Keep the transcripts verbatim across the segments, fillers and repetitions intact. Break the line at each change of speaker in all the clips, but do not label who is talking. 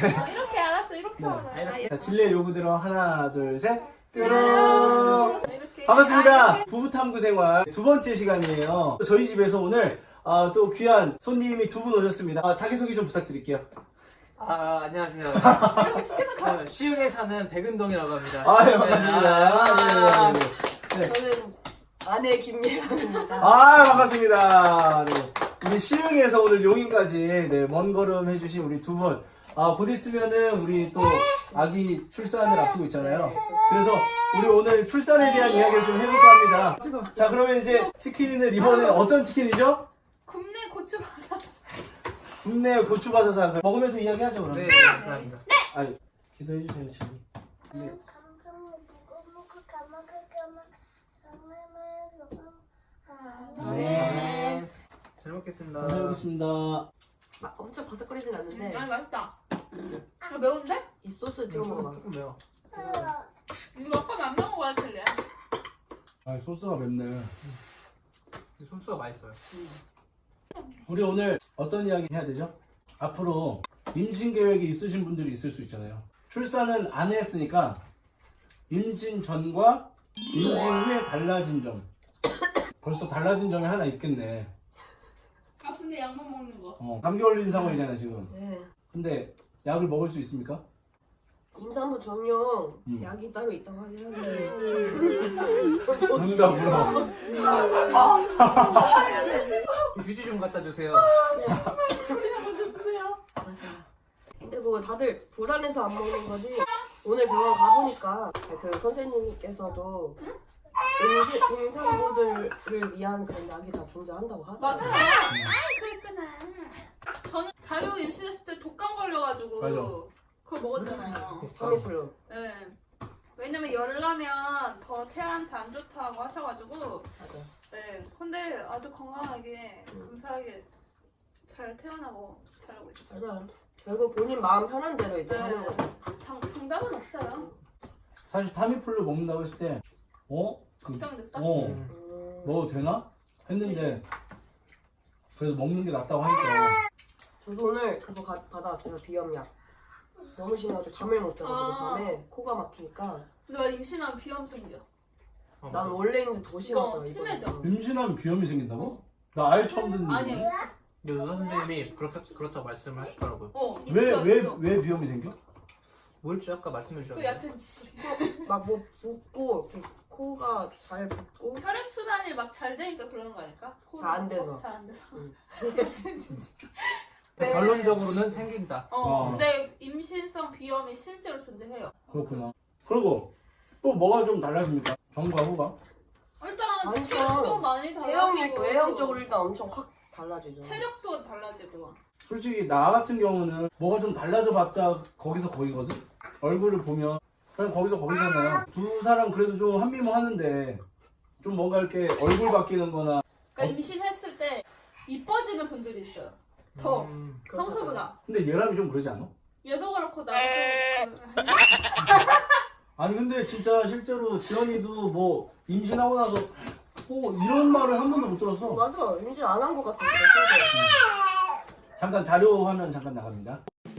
어, 이렇게 알았어. 이렇게
네.
알아.
자, 진리의 요구대로 하나, 둘, 셋. 뾰롱.
이렇게.
반갑습니다. 부부탐구 생활 두 번째 시간이에요. 저희 집에서 오늘 아, 또 귀한 손님이 두 분 오셨습니다. 아, 자기소개 좀 부탁드릴게요.
아, 안녕하세요.
이렇게 시키는 거.
저는 시흥에 사는 백은동이라고 합니다.
아, 네, 반갑습니다.
아,
네, 네, 네.
저는 아내 김예람입니다.
아, 반갑습니다. 네. 우리 시흥에서 오늘 용인까지 네, 먼 걸음 해주신 우리 두 분. 아, 곧 있으면은 우리 또 아기 출산을 앞두고 있잖아요. 그래서 우리 오늘 출산에 대한 이야기를 좀 해볼까 합니다. 자, 그러면 이제 치킨은 이번에 어떤 치킨이죠?
굽네 고추 바사.
국내 고추바사사 먹으면서 이야기하죠, 그럼.
네, 감사합니다.
아니, 기도해주세요, 지금. 네.
네. 잘 먹겠습니다.
잘 먹겠습니다.
막 엄청 바삭거리진 않는데
아니 맛있다. 아, 매운데?
이 소스 찍어 먹어봐.
조금 매워.
이거 아빠가 안 먹은 거야, 틀리야.
아, 소스가 맵네.
이 소스가 맛있어요.
우리 오늘 어떤 이야기 해야 되죠? 앞으로 임신 계획이 있으신 분들이 있을 수 있잖아요. 출산은 안 했으니까 임신 전과 임신 후에 달라진 점. 벌써 달라진 점이 하나 있겠네.
아픈데 약만 먹는 거.
어, 감기 걸린 상황이잖아 지금.
네.
근데 약을 먹을 수 있습니까?
임산부 전용
음.
약이 따로 있다고 하긴 한데
문다 물어.
휴지 좀 갖다 주세요.
근데 뭐 다들 불안해서 안 먹는 거지. 오늘 병원 가보니까 그 선생님께서도 임신, 임산부들을 위한 그런 약이 다 존재한다고 하더라고요.
맞아요. 아이 그랬구나. 저는 자유 임신했을 때 독감 걸려가지고
맞아.
그걸 먹었잖아요.
타미플루.
네. 왜냐면 열을 나면 더 태아한테 안 좋다고 하셔가지고.
맞아.
네. 근데 아주 건강하게 감사하게 잘 태어나고 잘하고 있어요.
맞아. 결국 본인 마음 편한 대로 이제
네.
하는 거죠.
정, 정답은 없어요.
사실 타미플루 먹는다고 했을 때, 어? 그,
걱정됐어?
어,
음.
음,
먹어도 되나? 했는데 그래도 먹는 게 낫다고 하니까.
저도 오늘 그거 가, 받아왔어요. 비염약. 너무 심해가지고 잠을 못 자가지고
아.
밤에 코가 막히니까
근데 나 임신하면 비염 생겨.
어,
난 원래 있는데 더 심하더라.
어, 심해져.
임신하면 비염이 생긴다고? 나 아예 처음 듣는
아니야
거.
있어.
근데 의사 선생님이 그렇다, 그렇다고 말씀을 하시더라고요.
어 있어
왜, 왜,
있어.
왜 비염이 생겨?
뭘지 아까 말씀해
그
주셨는데.
얕은 지
막 뭐 붓고 이렇게 코가 잘 붓고
혈액 순환이 막 잘 되니까 그런 거 아닐까?
잘안 돼서.
잘 안 돼서.
응.
얕은 지
네. 결론적으로는 생긴다.
어,
어.
근데 임신성 비염이 실제로 존재해요.
그렇구나. 그리고 또 뭐가 좀 달라집니까? 전과 후가?
일단
아니죠.
체력도 많이
체형이
달라지고
외형적으로 일단 엄청 확 달라지죠.
체력도 달라지고.
솔직히 나 같은 경우는 뭐가 좀 달라져봤자 거기서 거기거든? 얼굴을 보면 그냥 거기서 거기잖아요. 두 사람 그래도 좀 한미모 하는데 좀 뭔가 이렇게 얼굴 바뀌는 거나
그러니까 임신했을 때 이뻐지는 분들이 있어요. 더
음.
평소보다.
근데 예람이 좀 그러지 않아?
얘도 그렇고 나도 좀
아니 근데 진짜 실제로 지연이도 뭐 임신하고 나서 어 이런 말을 한 번도 못 들었어.
맞아. 임신 안 한 것 같아. 진짜.
잠깐 자료 화면 잠깐 나갑니다.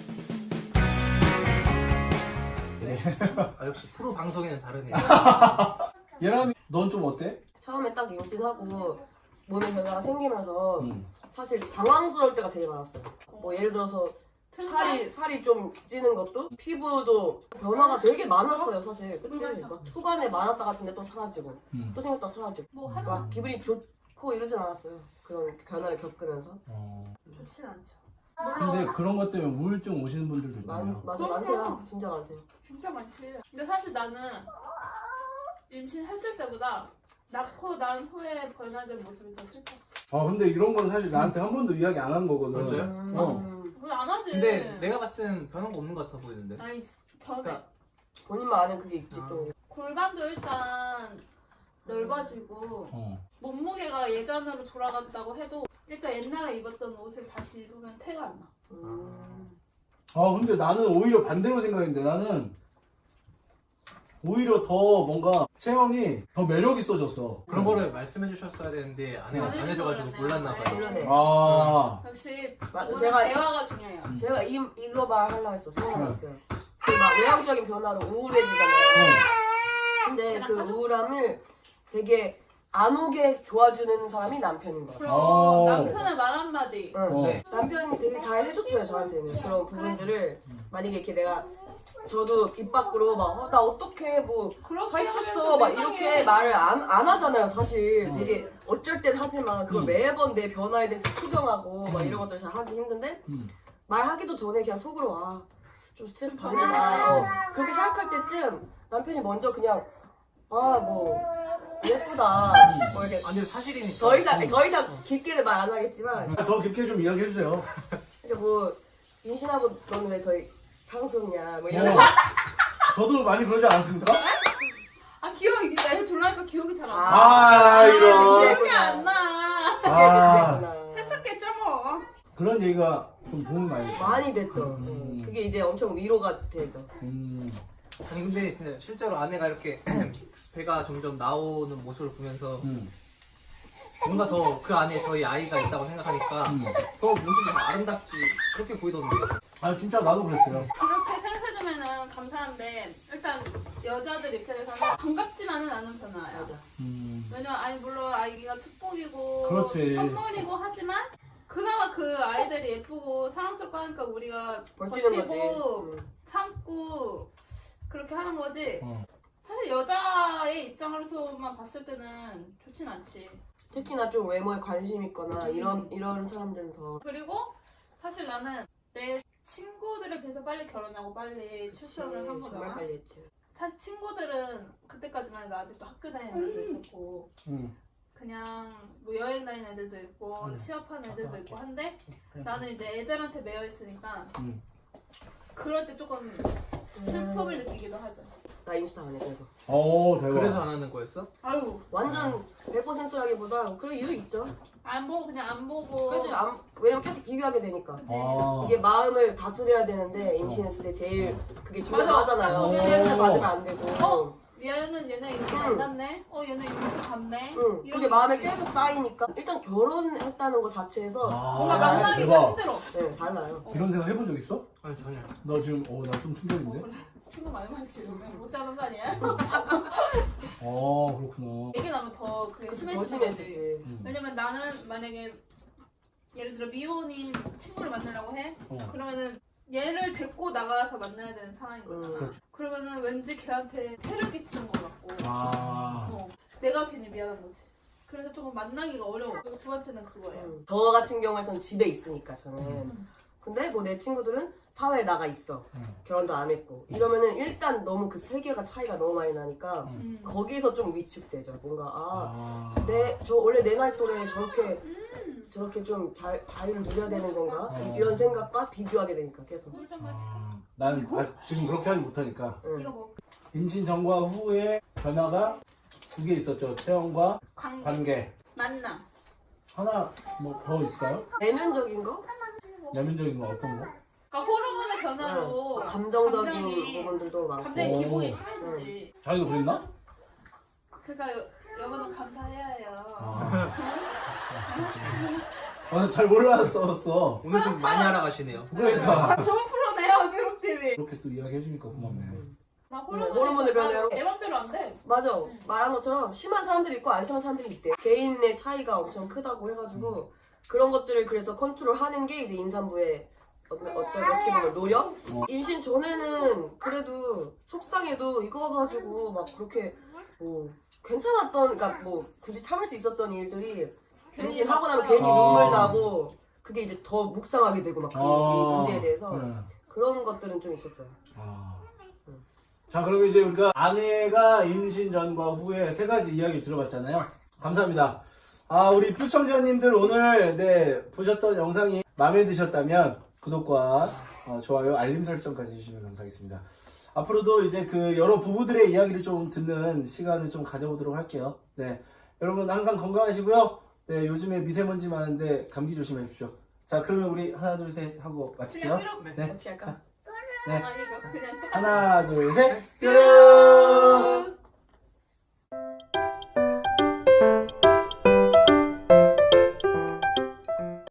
아, 역시 프로 방송에는 다르네요.
예람이 넌 좀 어때?
처음에 딱 임신하고 몸에 변화가 생기면서
음.
사실 당황스러울 때가 제일 많았어요. 뭐 예를 들어서 살이 살이 좀 찌는 것도 피부도 변화가 되게 많았어요 사실. 그치?
맞아.
막 초반에 많았다 같은데 또 사라지고
음.
또 생겼다 사라지고
뭐
막
하나
기분이 좋고 이러진 않았어요. 그런 변화를 겪으면서
어.
좋진 않죠.
근데 그런 것 때문에 우울증 오시는 분들도
많,
있잖아요.
맞아
그럼요.
많대요. 진짜 많대요.
진짜 많지. 근데 사실 나는 임신했을 때보다 낳고 난 후에 변화된 모습이 더 슬펐어.
아 근데 이런 건 사실 나한테 한 번도 이야기 안 한 거거든.
맞아요?
음,
어.
그건 안 하지.
근데 내가 봤을 때는 변한 거 없는 것 같아 보이는데.
아니 변해.
그러니까
본인만 아는 그게 있지
아.
또.
골반도 일단 넓어지고
어.
몸무게가 예전으로 돌아간다고 해도 일단 옛날에 입었던 옷을 다시 입으면 태가 안 나.
음.
아 근데 나는 오히려 반대로 생각했는데 나는 오히려 더 뭔가 채영이 더 매력 있어졌어.
그런 거를 말씀해 주셨어야 되는데 안, 해,
안
안 해줘가지고
해줘버렸네요.
몰랐나 봐요.
몰랐네.
아,
역시
맞아,
오늘
제가-
대화가 중요해요.
제가 이, 이거 말하려고 했어. 생각났어요. 그 막 외향적인 변화로 우울해지잖아요. 근데 그 우울함을 되게 안 오게 도와주는 사람이 남편인 거야.
그럼
어.
남편의 말 한마디.
응.
어.
네.
남편이 되게 잘 해줬어요, 저한테는. 그런 부분들을. 만약에 이렇게 내가, 저도 입 밖으로 막, 어, 나 어떡해, 뭐,
그렇게
살쪘어, 막 이렇게
세상에
말을 안, 안 하잖아요, 사실.
음.
되게 어쩔 땐 하지만 그걸
음.
매번 내 변화에 대해서 투정하고 막
음.
이런 것들 잘 하기 힘든데,
음.
말하기도 전에 그냥 속으로, 아, 좀 스트레스 받는다. 어, 그렇게 생각할 때쯤 남편이 먼저 그냥, 아, 뭐, 예쁘다. 뭐 이렇게.
아니 사실이니까.
더 이상, 더 이상 깊게는 말 안 하겠지만,
더 깊게 좀 이야기해주세요.
그러니까 뭐, 임신하고 너는 왜 더 상속이냐, 뭐
어.
이런 거.
저도 많이 그러지 않았습니까?
아 기억이 내가 졸라니까 기억이 잘 안 나.
아, 이런.
기억이 안 나.
그게
아.
문제구나.
했었겠죠 뭐.
그런 얘기가 좀 도움 많이 됐어요.
많이 됐죠.
음.
네. 그게 이제 엄청 위로가 되죠.
음.
아니 근데 그냥 실제로 아내가 이렇게 배가 점점 나오는 모습을 보면서
음.
뭔가 더 그 안에 저희 아이가 있다고 생각하니까
음.
더 모습이 더 아름답지 그렇게 보이던데요.
아, 진짜 나도 그랬어요.
그렇게 생각해주면은 감사한데 일단 여자들 입장에서는 반갑지만은 않은 변화예요.
맞아.
음.
왜냐면 아니 물론 아기가 축복이고
그렇지.
선물이고 하지만 그나마 그 아이들이 예쁘고 사랑스럽고 하니까 우리가
버티는 거지.
버티고
음.
참고 그렇게 하는 거지.
어.
사실 여자의 입장으로서만 봤을 때는 좋진 않지.
특히나 좀 외모에 관심 있거나
음.
이런 이런 사람들은 더
그리고 사실 나는 내 친구들에 비해서 빨리 결혼하고 빨리 출산을 한
정말
거잖아.
빨리 했지.
사실 친구들은 그때까지만 해도 아직도 학교 다니는 애들도 있었고
음.
그냥 뭐 여행 다니는 애들도 있고
음.
취업하는 애들도 있고 한데 나는 이제 애들한테 매여 있으니까
음.
그럴 때 조금 슬픔을 느끼기도 하죠.
나 인스타 안 해, 그래서.
오, 대박.
그래서 안 하는 거였어?
아유
완전 백 퍼센트라기보다 그런 이유 있죠.
안 보고 그냥 안 보고
사실 안, 왜냐면 계속 비교하게 되니까.
아.
이게 마음을 다스려야 되는데 임신했을 때 제일 그게 중요하잖아요.
맞아.
스트레스
어.
받으면 안 되고.
어? 얘는 얘네 이렇게 안
응.
갔네? 어 얘는 이렇게 갔네?
응.
이런
그게 마음에 계속 쌓이니까 일단 결혼했다는 것 자체에서
아,
뭔가
아,
만나기가
대박.
힘들어.
네, 달라요.
이런 생각 해본 적 있어?
아니 전혀.
나 지금, 어, 나 좀 충격인데?
그래. 친구 많이 마시면 못 자는 거 아니야?
아, 그렇구나.
얘기 나면 더 그게
그치, 더
심해지는 거지.
심해지지.
음.
왜냐면 나는 만약에 예를 들어 미혼인 친구를 만나려고 해?
어.
그러면은 얘를 데리고 나가서 만나야 되는 상황인 거잖아.
음.
그렇죠.
그러면은 왠지 걔한테 해를 끼치는 것 같고
아.
어, 내가 괜히 미안한 거지. 그래서 조금 만나기가 어려워. 그리고 저한테는 그거예요.
음. 저 같은 경우에는 집에 있으니까 저는. 근데 뭐 내 친구들은 사회에 나가 있어.
음.
결혼도 안 했고. 이러면은 일단 너무 그 세계가 차이가 너무 많이 나니까
음.
거기서 좀 위축되죠. 뭔가 아,
아.
내 저 원래 내 나이 또래 저렇게 저렇게 좀 자, 자유를 누려야 되는 건가?
어.
이런 생각과 비교하게 되니까 계속.
물좀 마실까?
아. 난 아, 지금 그렇게 하지 못하니까.
응.
이거 뭐
임신 전과 후에 변화가 두 개 있었죠. 체형과
관계,
관계.
만남.
하나 뭐 더 있을까요?
내면적인 거?
내면적인 거 어떤 거?
그러니까 호르몬의 변화로
응. 감정적인
감정이-
부분들도 많고.
감정의
오.
기복이 심해지지.
자기도 그랬나?
그러니까 여, 여보는 감사해야 해요.
아. 아, 잘 몰랐었어.
오늘 좀 많이 알아가시네요.
그러니까.
아, 좋은 프로네요, 미국티비.
그렇게 또 이야기해주니까 고맙네.
나
호르몬의
호르몬의
변화로?
변화 내 맘대로 안 돼.
맞아. 말한 것처럼 심한 사람들이 있고 안 심한 사람들이 있대. 개인의 차이가 엄청 크다고 해가지고 그런 것들을 그래서 컨트롤하는 게 이제 임산부의 어, 어쩌, 어떻게 보면 노력?
어.
임신 전에는 그래도 속상해도 이거 가지고 막 그렇게 뭐 괜찮았던, 그러니까 뭐 굳이 참을 수 있었던 일들이 임신하고 나면 괜히
아.
눈물 나고 그게 이제 더 묵상하게 되고 막 그
아.
문제에 대해서
네.
그런 것들은 좀 있었어요.
아. 자, 그럼 이제 우리가 아내가 임신 전과 후에 세 가지 이야기를 들어봤잖아요. 감사합니다. 아, 우리 뷰청자님들 오늘 네 보셨던 영상이 마음에 드셨다면 구독과 어, 좋아요, 알림 설정까지 해주시면 감사하겠습니다. 앞으로도 이제 그 여러 부부들의 이야기를 좀 듣는 시간을 좀 가져보도록 할게요. 네, 여러분 항상 건강하시고요. 네, 요즘에 미세먼지 많은데 감기 조심해 주십시오. 자, 그러면 우리 하나 둘 셋 하고 마칠게요.
그냥 삐로.
네,
어떻게 할까?
네.
아니 이거 그냥 똑같아.
하나 둘 셋. 뾰로. 축하드려요.